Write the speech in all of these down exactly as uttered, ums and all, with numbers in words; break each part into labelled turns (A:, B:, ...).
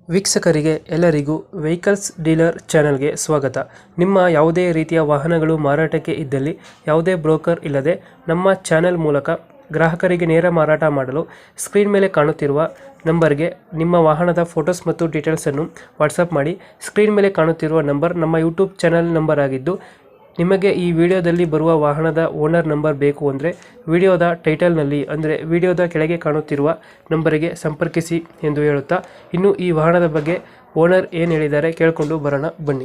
A: ವೀಕ್ಷಕರಿಗೆ ಎಲ್ಲರಿಗೂ vehicles dealer ಚಾನೆಲ್ಗೆ ಸ್ವಾಗತ. ನಿಮ್ಮ ಯಾವುದೇ ರೀತಿಯ ವಾಹನಗಳು ಮಾರಾಟಕ್ಕೆ ಇದ್ದಲ್ಲಿ ಯಾವುದೇ ಬ್ರೋಕರ್ ಇಲ್ಲದೆ ನಮ್ಮ ಚಾನೆಲ್ ಮೂಲಕ ಗ್ರಾಹಕರಿಗೆ ನೇರ ಮಾರಾಟ ಮಾಡಲು ಸ್ಕ್ರೀನ್ ಮೇಲೆ ಕಾಣುತ್ತಿರುವ ನಂಬರ್ಗೆ ನಿಮ್ಮ ವಾಹನದ ಫೋಟೋಸ್ ಮತ್ತು ಡೀಟೇಲ್ಸನ್ನು ವಾಟ್ಸಪ್ ಮಾಡಿ. ಸ್ಕ್ರೀನ್ ಮೇಲೆ ಕಾಣುತ್ತಿರುವ ನಂಬರ್ ನಮ್ಮ ಯೂಟ್ಯೂಬ್ ಚಾನೆಲ್ ನಂಬರ್ ಆಗಿದ್ದು, ನಿಮಗೆ ಈ ವಿಡಿಯೋದಲ್ಲಿ ಬರುವ ವಾಹನದ ಓನರ್ ನಂಬರ್ ಬೇಕು ಅಂದರೆ ವಿಡಿಯೋದ ಟೈಟಲ್ನಲ್ಲಿ ಅಂದರೆ ವಿಡಿಯೋದ ಕೆಳಗೆ ಕಾಣುತ್ತಿರುವ ನಂಬರಿಗೆ ಸಂಪರ್ಕಿಸಿ ಎಂದು ಹೇಳುತ್ತಾ, ಇನ್ನು ಈ ವಾಹನದ ಬಗ್ಗೆ ಓನರ್ ಏನು ಹೇಳಿದ್ದಾರೆ ಕೇಳಿಕೊಂಡು ಬರೋಣ ಬನ್ನಿ.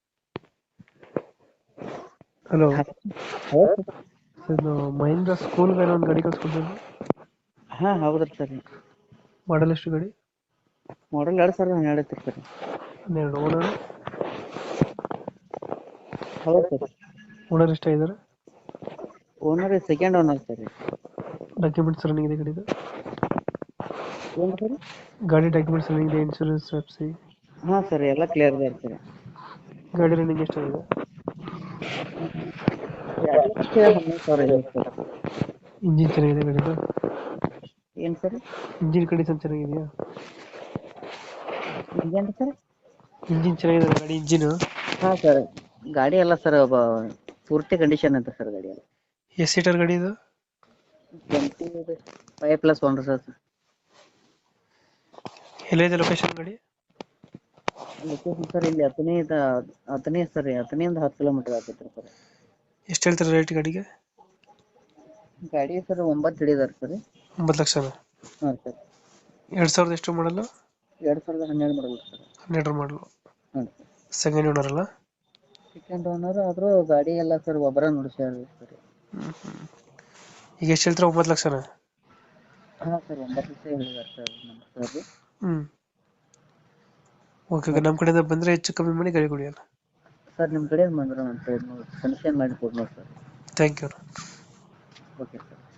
A: ಹಲೋ, ಇದು ಮಹೇಂದ್ರ ಸ್ಕೂಲ್ ಗಾಡಿ ಒಂದು ಗಾಡಿ ಕಳ್ಸ್ಕೊಡ್ತೀನಿ.
B: ಹಾ ಹೌದ್ರಿ ಸರ್.
A: ಮಾಡಲ್ ಎಷ್ಟು ಗಾಡಿ?
B: ಮಾಡಲ್ ಎರಡ್ ಸಾವಿರದ ಹನ್ನೆರಡು ಐತ್ರಿ ಸರ್.
A: ಹನ್ನೆರಡು. ಓನರ್
B: ಹೌದು ಸರ್.
A: ಓನರ್ ಎಷ್ಟಾಗಿದ್ದಾರೆ?
B: Owner second owner sir.
A: Documents running ಇದೆ ಗಾಡಿದು?
B: ಏನು ಸರ್?
A: ಗಾಡಿ ಡಾಕ್ಯುಮೆಂಟ್ಸ್ ರನ್ನಿಂಗ್ ಇದೆ, ಇನ್ಶೂರೆನ್ಸ್ ಎಫ್ಸಿ?
B: ಹಾ ಸರ್, ಎಲ್ಲ ಕ್ಲಿಯರ್ ಇದೆ ಸರ್.
A: ಗಾಡಿ ರನ್ನಿಂಗ್ ಎಷ್ಟಾಗಿದೆ?
B: ಎರಡು ಲಕ್ಷ ಹನ್ನೊಂದು ಸಾವಿರ ಇದೆ ಸರ್.
A: ಇಂಜಿನ್ ಚೆನ್ನಾಗಿದೆ ಗಾಡಿದು?
B: ಏನು ಸರ್?
A: ಇಂಜಿನ್ ಕಂಡೀಷನ್ ಚೆನ್ನಾಗಿದೆಯಾ?
B: ಏನು ಸರ್?
A: ಇಂಜಿನ್ ಚೆನ್ನಾಗಿದೆ ಗಾಡಿ ಇಂಜಿನ್?
B: ಹಾ ಸರ್, ಗಾಡಿ ಎಲ್ಲ ಸರ್ ಒಬ್ಬ ಪೂರ್ತಿ ಕಂಡೀಷನ್ ಅಂತ ಸರ್ ಗಾಡಿ ಎಲ್ಲ.
A: ಎಷ್ಟು ಸೀಟರ್ ಗಾಡಿ ಇದು?
B: Twenty five plus one sir.
A: ಎಲ್ಲಿದೆ ಲೊಕೇಶನ್ ಗಾಡಿ?
B: ಲೊಕೇಶನ್ ಸರ್ ಇಲ್ಲಿ ಹತ್ತನೇ ಹತ್ತನೇ ಸರ್, ಹತ್ತನೆಯಿಂದ ಹತ್ತು ಕಿಲೋಮೀಟರ್ ಆಗ್ತೈತೆ ಸರ್.
A: ಎಷ್ಟು ಹೇಳ್ತಾರೆ ರೇಟ್ ಗಾಡಿಗೆ?
B: ಗಾಡಿ ಸರ್ ಒಂಬತ್ತು ಹಿಡಿದಾರೆ ಸರ್.
A: ಒಂಬತ್ತು ಲಕ್ಷನಾ?
B: ಹಾಂ ಸರ್.
A: ಎರಡು ಸಾವಿರದ ಎಷ್ಟು ಮಾಡಲು?
B: ಎರಡು ಸಾವಿರದ ಹನ್ನೆರಡು ಮಾಡಲ್ ಸರ್.
A: ಹನ್ನೆರಡು ಮಾಡಲು.
B: ಹಾಂ ಸರ್.
A: ಸೆಕೆಂಡ್ ಓನರ್ ಅಲ್ಲ?
B: ಸೆಕೆಂಡ್ ಓನರ್ ಆದರೂ ಗಾಡಿ ಎಲ್ಲ ಸರ್ ಒಬ್ಬರ ನೋಡ್ಸ್ಯಾರ ಸರ್.
A: ಈಗ ಎಷ್ಟು ಹೇಳ್ತಾರೆ? ಒಂಬತ್ತು ಲಕ್ಷನಾ?
B: ಹಾಂ ಸರ್, ಒಂಬತ್ತು ಲಕ್ಷ ಹೇಳಿದಾರೆ ಸರ್ ನಮ್ಮ ಸರ್.
A: ಹ್ಞೂ, ಓಕೆ. ನಮ್ಮ ಕಡೆಯಿಂದ ಬಂದರೆ ಹೆಚ್ಚು ಕಮ್ಮಿ ಮಾಡಿ ಗಾಡಿ ಕೊಡಿ ಅಲ್ಲ
B: ಸರ್. ನಿಮ್ಮ ಕಡೆ ಬಂದ್ರೆ ಒಂದು ಸೈಡ್ ನೋಡಿ ಕನ್ಸೇಷನ್ ಮಾಡಿ ಕೊಡ್ಬೋದು sir.
A: Thank you.
B: Okay sir.